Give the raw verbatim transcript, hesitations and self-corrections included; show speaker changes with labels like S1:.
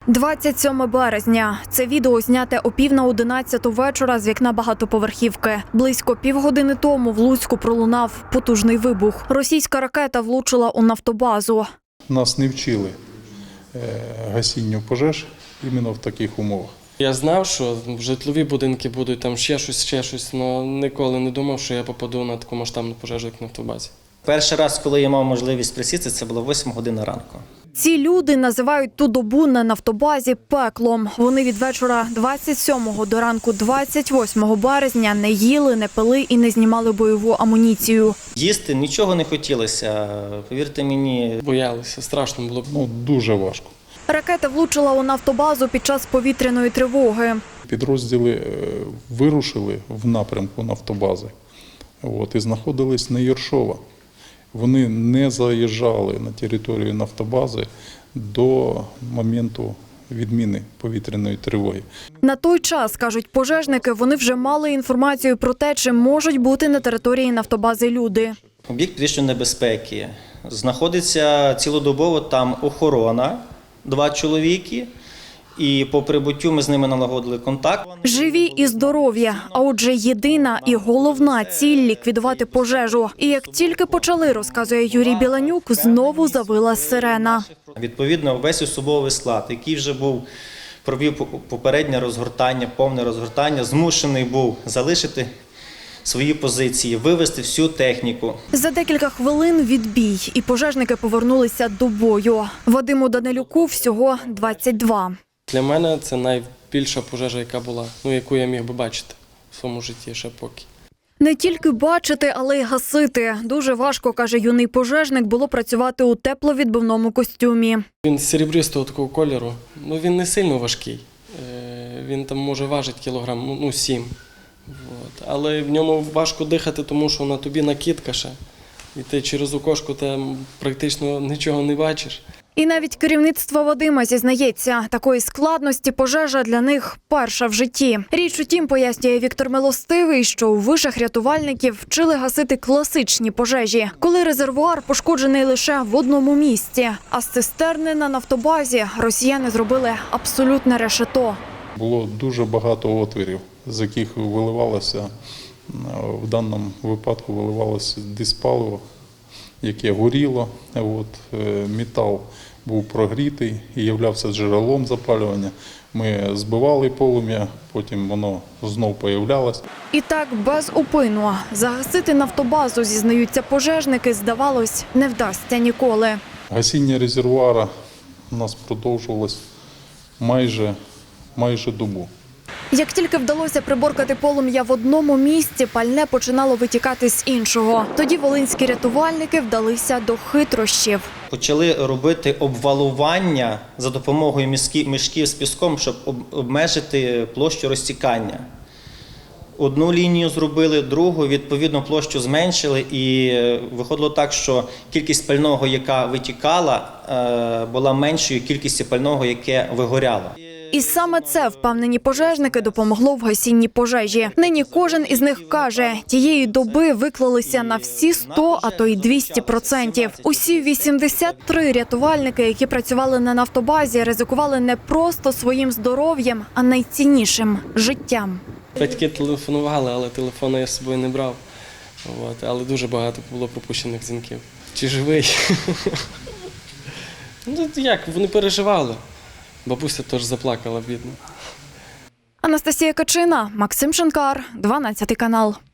S1: двадцять сьоме березня. Це відео зняте о пів на одинадцяту вечора з вікна багатоповерхівки. Близько півгодини тому в Луцьку пролунав потужний вибух. Російська ракета влучила у нафтобазу.
S2: Нас не вчили гасінню пожеж іменно в таких умовах.
S3: Я знав, що житлові будинки будуть, там ще щось, ще щось, але ніколи не думав, що я попаду на таку масштабну пожежу, як на нафтобазі.
S4: Перший раз, коли я мав можливість присісти, це було восьма година ранку.
S1: Ці люди називають ту добу на нафтобазі пеклом. Вони від вечора двадцять сьомого до ранку двадцять восьмого березня не їли, не пили і не знімали бойову амуніцію.
S4: Їсти нічого не хотілося, повірте мені.
S3: Боялися, страшно було.
S2: Ну, дуже важко.
S1: Ракета влучила у нафтобазу під час повітряної тривоги.
S2: Підрозділи вирушили в напрямку нафтобази от, і знаходились на Єршова. Вони не заїжджали на територію нафтобази до моменту відміни повітряної тривоги.
S1: На той час, кажуть пожежники, вони вже мали інформацію про те, чи можуть бути на території нафтобази люди.
S4: Об'єкт підвищеної небезпеки. Знаходиться цілодобово там охорона, два чоловіки. І по прибуттю ми з ними налагодили контакт.
S1: Живі і здорові, а отже єдина і головна ціль – ліквідувати пожежу. І як тільки почали, розказує Юрій Біланюк, знову завила сирена.
S4: Відповідно, весь особовий склад, який вже був, провів попереднє розгортання, повне розгортання, змушений був залишити свої позиції, вивести всю техніку.
S1: За декілька хвилин відбій, і пожежники повернулися до бою. Вадиму Данилюку всього двадцять два.
S3: Для мене це найбільша пожежа, яка була, ну, яку я міг би бачити в своєму житті ще поки.
S1: Не тільки бачити, але й гасити. Дуже важко, каже юний пожежник, було працювати у тепловідбивному костюмі.
S3: Він серебристого такого кольору, ну він не сильно важкий. Він там може важити кілограм, ну сім. От. Але в ньому важко дихати, тому що на тобі накидка ще. І ти через окошко там практично нічого не бачиш.
S1: І навіть керівництво Вадима зізнається, такої складності пожежа для них перша в житті. Річ у тім, пояснює Віктор Милостивий, що у вишах рятувальників вчили гасити класичні пожежі, коли резервуар пошкоджений лише в одному місці. А з цистерни на нафтобазі росіяни зробили абсолютне решето.
S2: Було дуже багато отворів, з яких виливалося, в даному випадку виливалося диспаливо, яке горіло. От, метал був прогрітий і являвся джерелом запалювання. Ми збивали полум'я, потім воно знов появлялось.
S1: І так без упину. Загасити нафтобазу, зізнаються пожежники, здавалось, не вдасться ніколи.
S2: Гасіння резервуара у нас продовжувалось майже, майже добу.
S1: Як тільки вдалося приборкати полум'я в одному місці, пальне починало витікати з іншого. Тоді волинські рятувальники вдалися до хитрощів.
S4: Почали робити обвалування за допомогою мішків з піском, щоб обмежити площу розтікання. Одну лінію зробили, другу, відповідно, площу зменшили, і виходило так, що кількість пального, яка витікала, була меншою кількістю пального, яке вигоряло.
S1: І саме це, впевнені пожежники, допомогло в гасінні пожежі. Нині кожен із них каже, тієї доби виклалися на всі сто, а то й двісті відсотків. Усі вісімдесят три рятувальники, які працювали на нафтобазі, ризикували не просто своїм здоров'ям, а найціннішим – життям.
S3: Батьки телефонували, але телефони я з собою не брав. От. Але дуже багато було пропущених дзвінків. Чи живий? Ну як, вони переживали. Бабуся теж заплакала, бідно.
S1: Анастасія Качина, Максим Шинкар, дванадцятий канал.